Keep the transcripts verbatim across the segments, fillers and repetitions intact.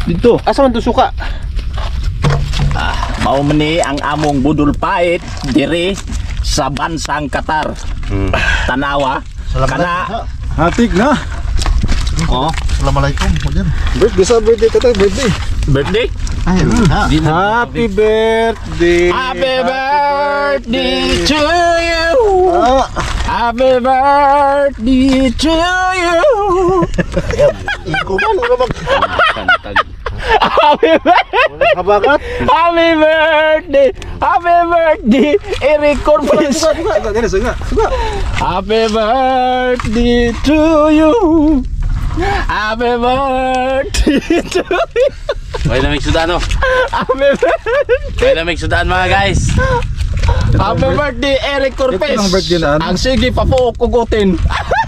Dito. Asa man to suka? Ah, mao meni ang among budol pait diri sa bansang Qatar. Hmm. Tanawa. Kana. Hatik na. Oh, Assalamualaikum. Hujan. Birthday sa birthday ka tayo, birthday. birthday. Ay, ha. Happy birthday. Happy birthday to you. Ah, Happy birthday to you. Iko man wala mag Happy birthday. kabakat. Happy birthday. Happy birthday. I-record mo yun. Suga, suga, suga, dali, suga, suga. Happy birthday to you. Happy birthday to you. May lamig sudan no. Happy birthday. May lamig sudan mga guys. Happy birthday, Eric Corpez. Ito ang birthday na ano? Ang sige pa po kugutin.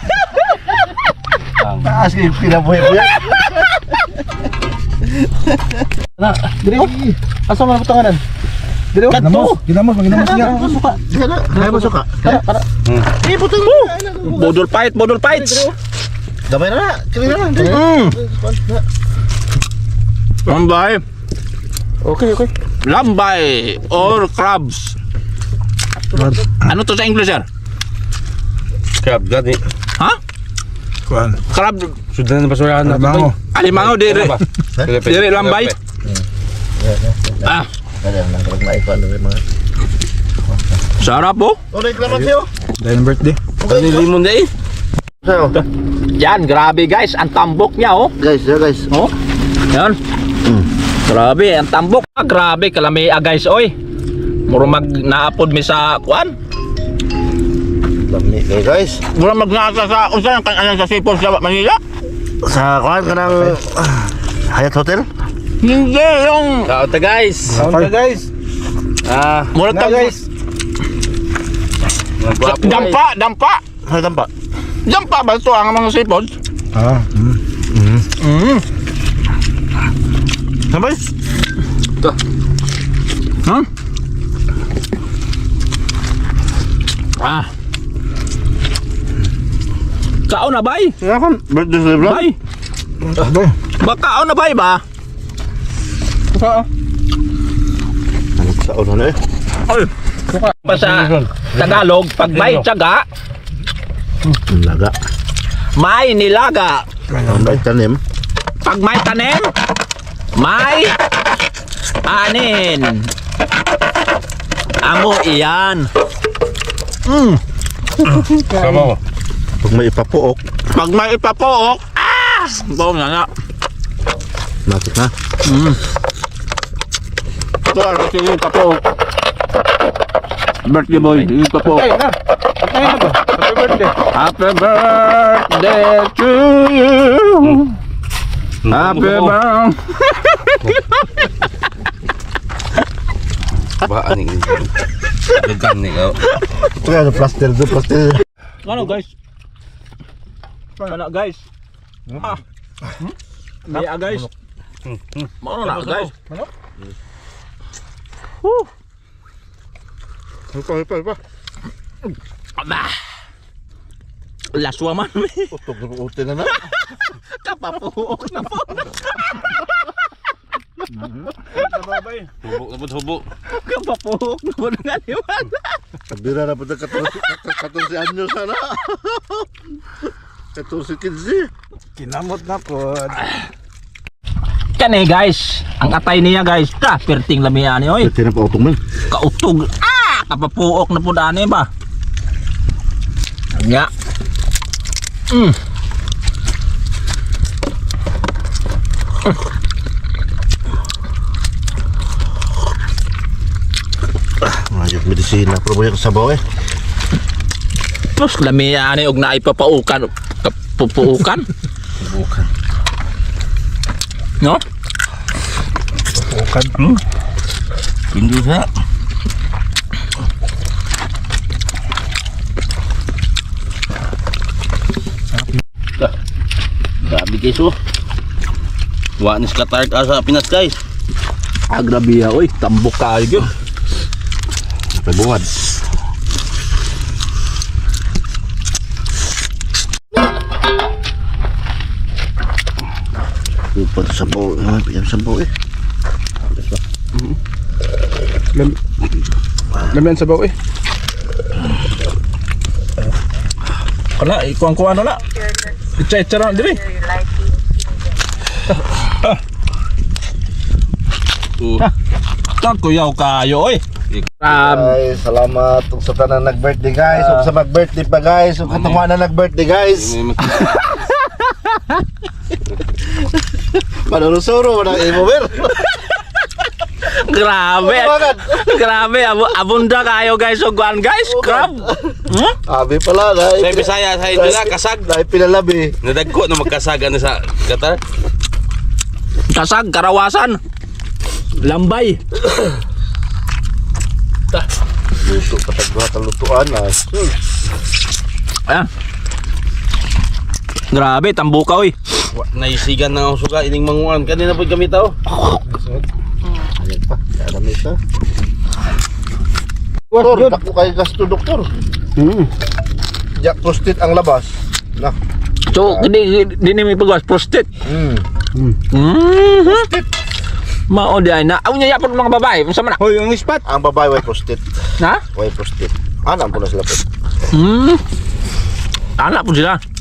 taas kay pinabuhay-buhay. Na, dili ko. Asa man putanganan? Dili ko. Kadto. Ginamos, ginamos niya. Suka. Sana. Kaya mo suka. Para, para. Eh putol mo. Bodol fight, bodol fights. Gamay na. Kaya na. Mm. Lambay. Okay, okay. Lambay or crabs. Ano to sa English, sir? Crab gani. Ha? Kuan. Crab. Sudan na basurahan na. Bango. Alimango, dire. Dire lambay. Ah, Kaya na kapag maikuan na mga. sarap po. Oh, reklaman sa'yo. Dahil birthday. Kani limon dai. Sa'yo. Yan, grabe guys. Ang tambok niya, oh. Guys, ya guys. Oh. Yan. Grabe, ang tambok. Ah, grabe, kalami ah, guys, oy. Muro mag naapod mi sa kuan. Lami kayo guys. Muro mag naasa sa usan kan anan sa Sipol sa Manila. Sa kuan ka ng Hyatt Hotel. Hindi yung Kaon ta guys. Kaon ka guys. Ah, muro Na tag guys. mga gwapo, guys. dampa, dampa. Hay tampa. Dampa ba to ang mga Sipol? Ah. Mm. Mm. Sabay. Ito. Huh? Ah. Kaon na bay? Nga kan birthday celebration. Bay. Aba. Ba kaon na bay ba? Suka. Sa ulo na eh. Ay. Pa sa Tagalog, pag may tiyaga, Laga. may nilaga. Ang bait tanim. Pag may tanim, may anin. Amo iyan. Mm. Sama mo. Pag may ipapuok, Pag may ipapook, ah! Bawa nga nga. matik na. Mm. Ito ang sige ipapook. Birthday boy, ipapook. Ay, na. Patay na to. Happy birthday. Happy birthday to you. Happy birthday. Ba ani. Dagan ni ko. Ito kaya plaster do plaster. Ano guys? Ano guys? Ah. May ah guys. Ano na guys? Ano? Woo. Ipa, ipa, ipa. Aba. Laswa man. Utok na utin na na. Kapapuok na po. Babay. Hubok na hubok. Kapapuok na po nga naman. Kabira na po na katorse anyo sana. Katorse kinsi. Kinamot na po. Kani guys, ang atay niya guys, ta perting lamian ni oy. Ito na pa utong man. Kautog. Ah, kapapuok na po dani ba? Nya. Mm. Ayok medisina pero boy sa baw eh. Plus lamian ni og naay papaukan, kapupuukan. Bukan. No? Bukan. Hmm? Hindi sa. Grabe guys oh. Wa ni skatart asa Pinas guys. Ah, grabe ya, oy, tambok kayo. Pagbuwad. Pati sabaw. Ay, piyam sabaw eh. Lam Lamian sa baw eh. Kala, ikuang-kuang na na. Itcha-itcha na, dili. Uh, Kakuyaw kayo, oy. Um, Guys, salamat ug sa tanan nag-birthday guys. Ug sa mag-birthday pa guys. Ug katong na nag-birthday guys. may mak- Manunusuro man ang imo ber. grabe. Grabe, abo abunda kayo guys, ugwan guys. Crab. Hmm? Abi pala Sa dai. Bisaya, sa Idula, kasag. Dai pinalabi. Nadagko na magkasaga na sa Qatar. Kasag, karawasan. Lambay. Luto patagwa ta lutuan na. Ayan. Grabe, tambuka oy. Wa naisigan na ang suga ining manguan. Kanina po kami tao. Ayan pa. Dami ta. Doktor, dako kay gasto doktor. Hmm. Jak prostit ang labas. Nah. So, di di ni may pagwas prostate. Hmm. Mhm. Mao di ay na. Aw niya yapon mga babae, unsa man na? Hoy, ang ispat. Ang babae way prostit. Ha? Way prostit. Ana po na sila po. Hmm. Anak po sila.